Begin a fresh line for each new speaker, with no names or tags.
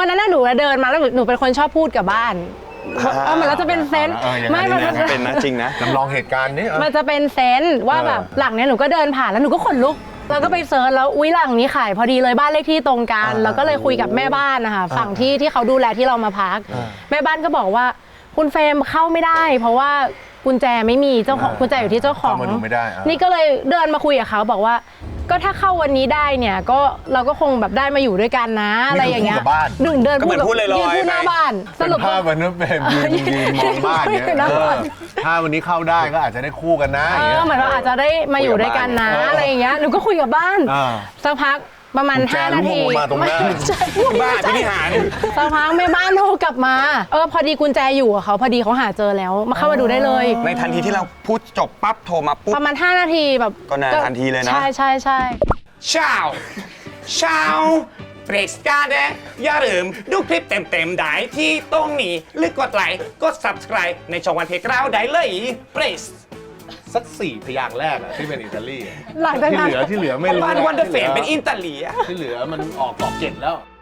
วันนั้นหนูเดินมาแล้วหนูเป็นคนชอบพูดกับบ้านเหมือนเราจะเป็นเซนส์ไม่มัน
เป็นนะจริงนะ
จำลองเหตุการณ์นี้
มันจะเป็นเซนส์ว่าแบบหลังเนี้ยหนูก็เดินผ่านแล้วหนูก็ขนลุกแล้วก็ไปเซิร์ชแล้วอุ๊ยหลังนี้ขายพอดีเลยบ้านเลขที่ตรงกันแล้วก็เลยคุยกับแม่บ้านนะคะฝั่งที่เขาดูแลที่เรามาพักแม่บ้านก็บอกว่าคุณเฟรมเข้าไม่ได้เพราะว่ากุญแจไม่มีเจ้าของกุญแจอยู่ที่เจ้าของนี่ก็เลยเดินมาคุยกับเขาบอกว่าก็ถ้าเข้าวันนี้ได้เนี่ยก็เราก็คงแบบได้มาอยู่ด้วยกันนะอะไรอย่างเงี้ยเดิน
พูดเลยยืน
พูดหน้าบ้าน
สรุปภาพวันนั้นเป็นยืนมองบ้านเนี่ยถ้าวันนี้เข้าได้ก็อาจจะได้คู่กันนะ
เหมือนว่าอาจจะได้มาอยู่ด้วยกันนะอะไรอย่างเงี้ยหนูก็คุยกับบ้านสักพักประมาณ5 นาที
บ้านพินิหาร
สักพักแม่บ้านโทรกลับมาพอดีกุญแจอยู่กับเขาพอดีเขาหาเจอแล้วมาเข้ามาดูได้เลย
ในทันทีที่เราพูดจบปั๊บโทรมาปุ๊บ
ประมาณ5 นาทีแบบ
ก็นานทันทีเลยนะ
ใช่
เช้าเบรกสการ์ดอย่าลืมดูคลิปเต็มๆได้ที่ตรงนี้หรือกดไลค์กด subscribe ในช่องวันเพกราวได้เลยเบรส
สัก4 พยางค์แรกที่เป็นอิตาลี
หลังจากนั้น
ที่เหลือไม่รู้
วันเดอร์เฟมเป็นอิตาลี
ที่เหลือมันออกเกตแล้ว